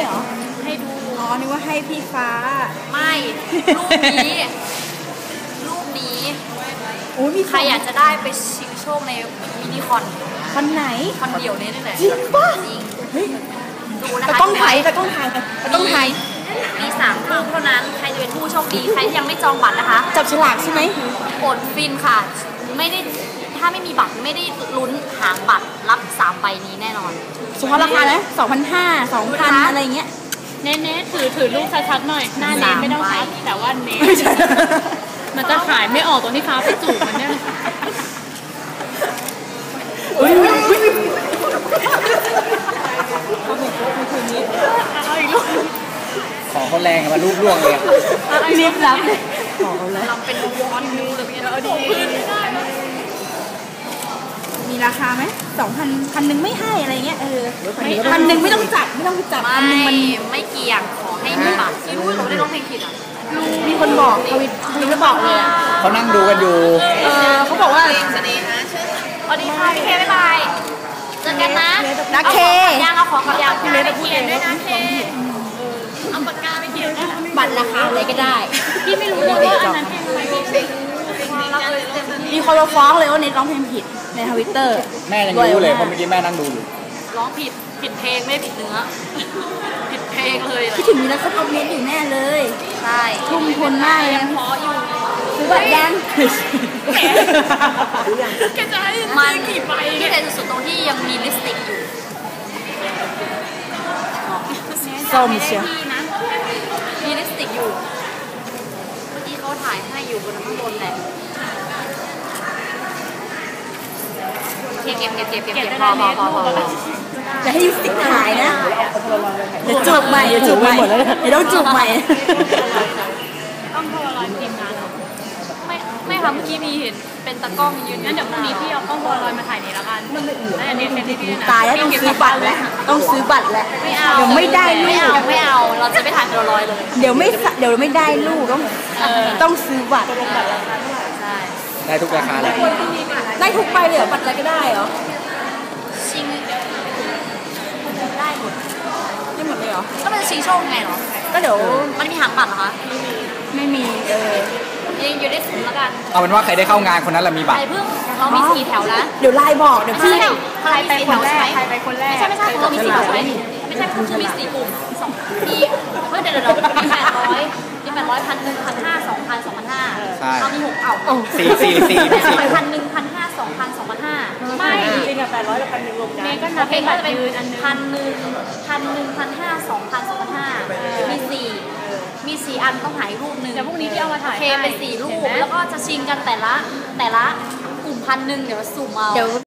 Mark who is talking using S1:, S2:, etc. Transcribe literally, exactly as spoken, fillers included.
S1: เหรอให้ดูอ๋อนึกว่าให้พี่ฟ้าไม่รูปนี้รูปนี้ใครอยากจะได้ไปชิงโชคในมินิคอนคอนไหนคอนเดี่ยวนี้นี่แหละจริงป่ะจริงดูนะคะแต่ต้องถ่ายแต่ต้องถ่ายแต่ต้องถ่ายมีสามรูปเท่านั้นใครจะเป็นผู้โชคดีใครที่ยังไม่จองบัตรนะคะจับฉลากใช่ไหมอดฟินค่ะไม่ได้ถ้าไม่มีบัตรไม่ได้ลุ้นหางบัตรรับสามใบนี้แน่นอนสมมติราคาแล้วสองพันห้าสองพันอะไรเงี้ยเน้นๆถือถือรูปชัดๆหน่อยหน้าเน้นไม่ต้องชัดแต่ว่าเน้นมันจะขายไม่ออกตรงที่ฟ้าไปจูบมันเนี่ย
S2: ของเขาแรงมารูปร่วงเลย
S1: รีบรับของเขาเลยลำเป็นวอนยูหรือเป็นอะไรดีมีราคาไหมสองพันพันหนึ่งไม่ให้อะไรเงี้ยเออพันหนึ่งไม่ต้องจับไม่ต้องจับพันหนึ่งมันไม่เกี่ยงขอให้มีบัตรที่รู้เราได้ร้องเพลงผิดอ่ะมีคนบอกทวิตทวิตบอกเลย
S2: เขานั่งดูกันอยู่
S1: เออเขาบอกว่าสวัสดีค่ะพี่เคบ๊ายบายเจอกันนะนักเคยางเอาของกับยางพี่เล็กไปเขียนด้วยนะเคเอาปากกาไปเขียนบัตรราคาอะไรก็ได้พี่ไม่รู้เลยว่าอันนั้นเพลงอะไรพี่มีคนมาฟ้องเลยว่าเน็ตร้องเพลงผิดในทวิตเตอร์
S2: แม่ยังรู้เลยเพราะเมื่อกี้แม่นั่งดูอยู่
S1: ร้องผิดผิดเพลงไม่ผิดเนื้อผิดเพลงเลยคิดถึงมีนักคอมเมนต์อยู่แน่เลยใช่ทุ่มทุนมากยังพออยู่ซื้อบัตรยังแกจะให้มันกี่ใบที่เด่นสุดตรงที่ยังมีลิปสติกอยู่ส้มเชียวมีลิปสติกอยู่เมื่อกี้เขาถ่ายให้อยู่บนข้างบนแหละเก็บเก็บเก็บเก็บเก็บพอพอพอพอจะให้ลิปสติกถ่ายนะเดี๋ยวจูบใหม่เดี๋ยวจูบใหม่เดี๋ยวต้องจูบใหม่ต้องโทรรอทีมงานไม่ไม่ค่ะเมื่อกี้มีเห็นเป็นตะกล้องยืนงั้นเดี๋ยวพรุ่งนี้พี่เอากล้องโทรลอยมาถ่ายนี่แล้วกันแล้วอันนี้เป็นที่พี่นะตายแล้วต้องซื้อบัตรแล้วต้องซื้อบัตรแล้วไม่เอาเดี๋ยวไม่ได้ลูกไม่เอาเราจะไม่ถ่ายโทรลอยเลยเดี๋ยวไม่เดี๋ยวไม่ได้ลูกต้องต้องซื้อบัตรใช่
S2: ได้ทุกราคาเลย
S1: ได้ทุกใบเลยเหรอบัตรอะไรก็ได้เหรอชิงได้หมดได้หมดเลยเหรอก็มันจะชิงโชคไงเหรอก็เดี๋ยวมันมีหางบัตรเหรอคะไม่มีเออยังอยู่ได้ศูนย์แล้วกัน
S2: เอาเป็นว่าใครได้เข้างานคนนั้นแหละมีบัตร
S1: ใครเพิ่งเรามีสี่แถวแล้วเดี๋ยวไลน์บอกเดี๋ยวพี่ใครไปคนแรกใครไปคนแรกไม่ใช่ไม่ใช่เรามีสี่แถวใช่ไหมไม่ใช่คือมีสี่กลุ่มสองมีเฮ้ยเดี๋ยวเดี๋ยวมีแปดร้อยมีแปดร้อยพันหนึ่งพันห้าสองพันสองพันห้าเอามีหกเอา
S2: สี่สี่สี่
S1: พันหนึ่งพันห้าสองพันสองพันห้าไม่จริงอะแปดร้อยกับพันหนึ่งรวมกันก็นับเป็นก็จะเป็นพันหนึ่งพันหนึ่งพันห้าสองพันสองพันห้ามีสี่มีสี่อันต้องหายรูปหนึ่งแต่พวกนี้ที่เอามาถ่ายเคเป็นสี่รูปแล้วก็จะชิงกันแต่ละแต่ละกลุ่มพันหนึ่งเดี๋ยวสุ่มเอา